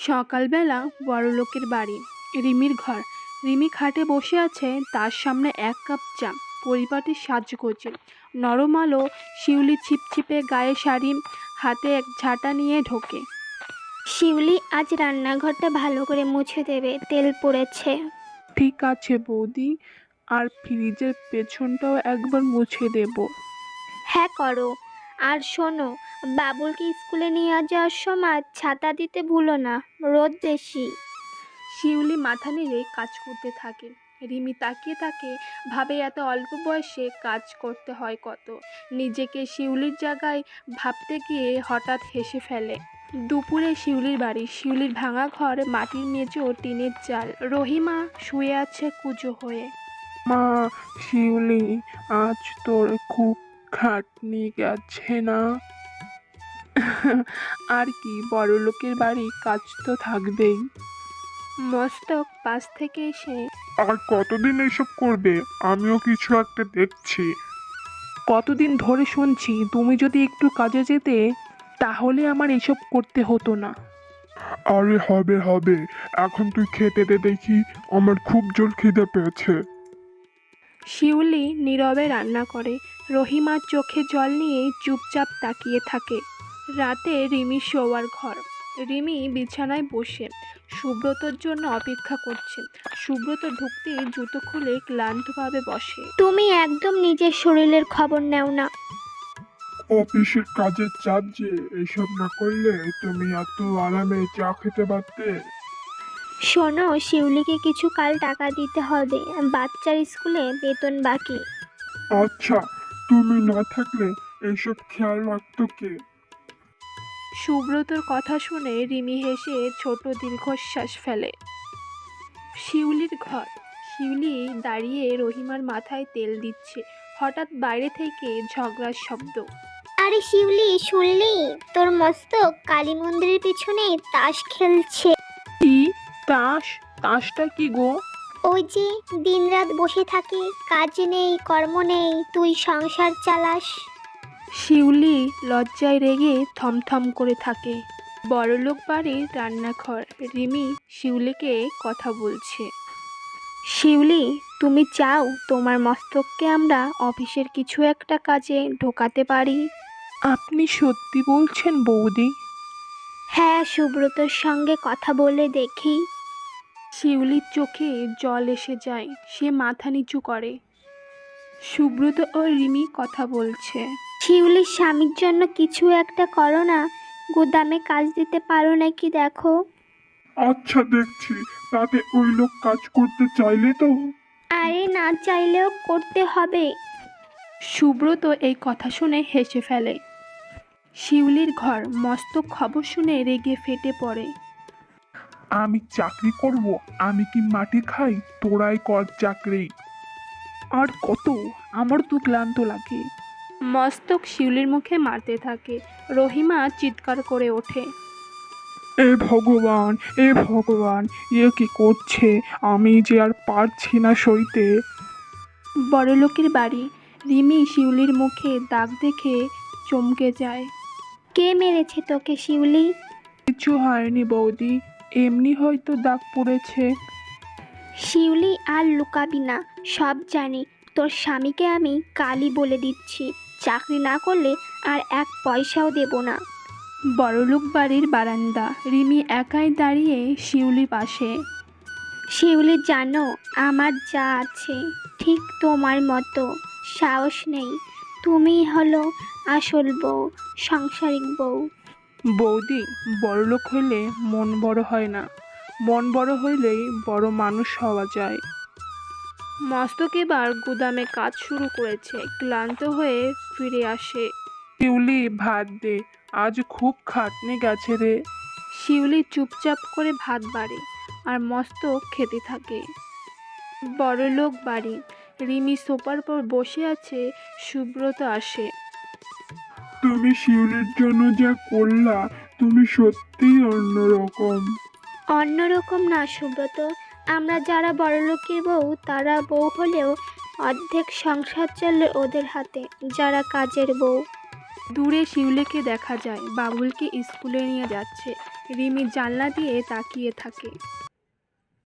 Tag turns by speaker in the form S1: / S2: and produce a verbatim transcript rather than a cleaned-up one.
S1: সকালবেলা বড়লোকের বাড়ি। রিমির ঘর। রিমি খাটে বসে আছে, তার সামনে এক কাপ চা। পরিপাটি সাজগোজে, নরম আলো, শিউলি ছিপছিপে গায়ে শাড়ি, হাতে এক ঝাঁটা নিয়ে ঢোকে।
S2: শিউলি, আজ রান্নাঘরটা ভালো করে মুছে দেবে, তেল পড়েছে।
S3: ঠিক আছে বৌদি, আর ফ্রিজের পেছনটাও একবার মুছে দেব।
S2: হ্যাঁ করো। আর শোনো, বাবুলকে স্কুলে নিয়ে যাওয়ার সময় ছাতা দিতে ভুলো না, রোদ বেশি।
S1: শিউলি মাথা নেড়ে কাজ করতে থাকে। রিমি তাকিয়ে থাকে, ভাবে এত অল্প বয়সে কাজ করতে হয় কত। নিজেকে শিউলির জায়গায় ভাবতে গিয়ে হঠাৎ হেসে ফেলে। দুপুরে শিউলির বাড়ি। শিউলির ভাঙা ঘর, মাটির মেঝে ও টিনের চাল। রহিমা শুয়ে আছে কুঁজো হয়ে।
S3: মা, শিউলি, আজ তোর খুব খাটনি গেছে না? আর কি, বড়লোকের বাড়ি, কাজ তো থাকবেই।
S1: মস্তক পাশ থেকে এসে,
S4: আর কতদিন এসব করবে? আমিও কিছু একটা দেখছি।
S3: কতদিন ধরে শুনছি, তুমি যদি একটু কাজে যেতে তাহলে আমার এসব করতে হতো না।
S4: আরে হবে হবে, এখন তুই খেতে দে দেখি, আমার খুব জোর খিদে পেয়েছে।
S1: শিউলি নীরবে রান্না করে। রহিমার চোখে জল নিয়ে চুপচাপ তাকিয়ে থাকে। রাতে রিমি শোয়ার ঘর। রিমি বিছানায় বসে সুব্রতর জন্য অপেক্ষা করছে। সুব্রত ঢুকতেই জুতো খুলে ক্লান্তভাবে বসে।
S2: তুমি একদম নিজের শরীরের খবর নেও না।
S4: অফিসের কাজের চাপ যে, এসব না করলে তুমি এত আরামে চা খেতে পারতে।
S2: শোনো, শিউলিকে কিছু কাল টাকা দিতে হবে, বাচ্চার স্কুলে বেতন বাকি।
S4: আচ্ছা, তুমি না থাকলে এসব খেয়াল রাখতো কে?
S1: সুব্রতর কথা শুনে রিমি হেসে ছোট দীর্ঘশ্বাস ফেলে। শিউলির ঘর। শিউলি দাঁড়িয়ে রহিমার মাথায় তেল দিচ্ছে। হঠাৎ বাইরে থেকে ঝগড়ার শব্দ।
S2: আরে শিউলি, শুনলি? তোর মস্তক কালী মন্দিরের পিছনে তাস খেলছে।
S3: কি? তাস? তাসটা কি গো?
S2: ওই যে দিনরাত বসে থাকে, কাজ নেই কর্ম নেই, তুই সংসার চালাস।
S1: শিউলি লজ্জায় রেগে থমথম করে থাকে। বড়লোক বাড়ির রান্নাঘর। রিমি শিউলিকে কথা বলছে। শিউলি, তুমি চাও তোমার মস্তককে আমরা অফিসের কিছু একটা কাজে ঢোকাতে পারি?
S3: আপনি সত্যি বলছেন বৌদি?
S2: হ্যাঁ, সুব্রতর সঙ্গে কথা বলে দেখি।
S1: শিউলির চোখে জল এসে যায়। সে মাথা নিচু করে। সুব্রত ও রিমি কথা বলছে।
S2: শিউলির স্বামীর জন্য কিছু একটা করো না, গুদামে কাজ দিতে পারো নাকি দেখো।
S4: আচ্ছা দেখছি, তাতে ওই লোক কাজ করতে চাইলে তো?
S2: আরে না চাইলেও করতে হবে।
S1: সুব্রত এই কথা শুনে হেসে ফেলে। শিউলির ঘর। মস্তক খবর শুনে রেগে ফেটে পড়ে।
S4: আমি চাকরি করব? আমি কি মাটি খাই? তোরাই কর চাকরি।
S3: আর কত? আমার তো ক্লান্ত লাগে।
S1: মস্তক শিউলির মুখে মারতে থাকে। রহিমা চিৎকার করে ওঠে।
S3: এ ভগবান, এ ভগবান, এ কি করছে? আমি যে আর পারছি না সইতে।
S1: বড়লোকের বাড়ি। রিমি শিউলির মুখে দাগ দেখে চমকে যায়।
S2: কে মেরেছে তোকে শিউলি?
S3: কিছু হয়নি বৌদি, এমনি হয়তো দাগ পড়েছে।
S2: শিউলি, আর লুকাবি না, সব জানি। তোর স্বামীকে আমি কালই বলে দিচ্ছি, চাকরি না করলে আর এক পয়সাও দেব না।
S1: বড়লোক বাড়ির বারান্দা। রিমি একাই দাঁড়িয়ে শিউলি পাশে।
S2: শিউলি, জানো আমার যা আছে ঠিক তোমার মতো সাহস নেই। তুমি হলো আসল বউ, সাংসারিক বউ।
S3: বৌদি, বড়লোক হইলে মন বড় হয় না, মন বড় হইলেই বড় মানুষ হওয়া যায়।
S1: মস্তক এবার গুদামে কাজ শুরু করেছে। ক্লান্ত হয়ে ফিরে আসে।
S3: শিউলি, ভাত দে, আজ খুব খাটনি গেছে রে।
S1: শিউলি চুপচাপ করে ভাত বাড়ে আর মস্তক খেতে থাকে। বড়লোক বাড়ি। রিমি সোফার পর বসে আছে। সুব্রত আসে।
S4: তুমি শিউলির জন্য যা করলা, তুমি সত্যিই অন্যরকম।
S2: অন্যরকম না সুব্রত, আমরা যারা বড়লোকের বউ তারা বউ হলেও অর্ধেক সংসার চলে ওদের হাতে, যারা কাজের বউ।
S1: দূরে শিউলিকে দেখা যায় বাবুলকে স্কুলে নিয়ে যাচ্ছে। রিমি জানলা দিয়ে তাকিয়ে থাকে।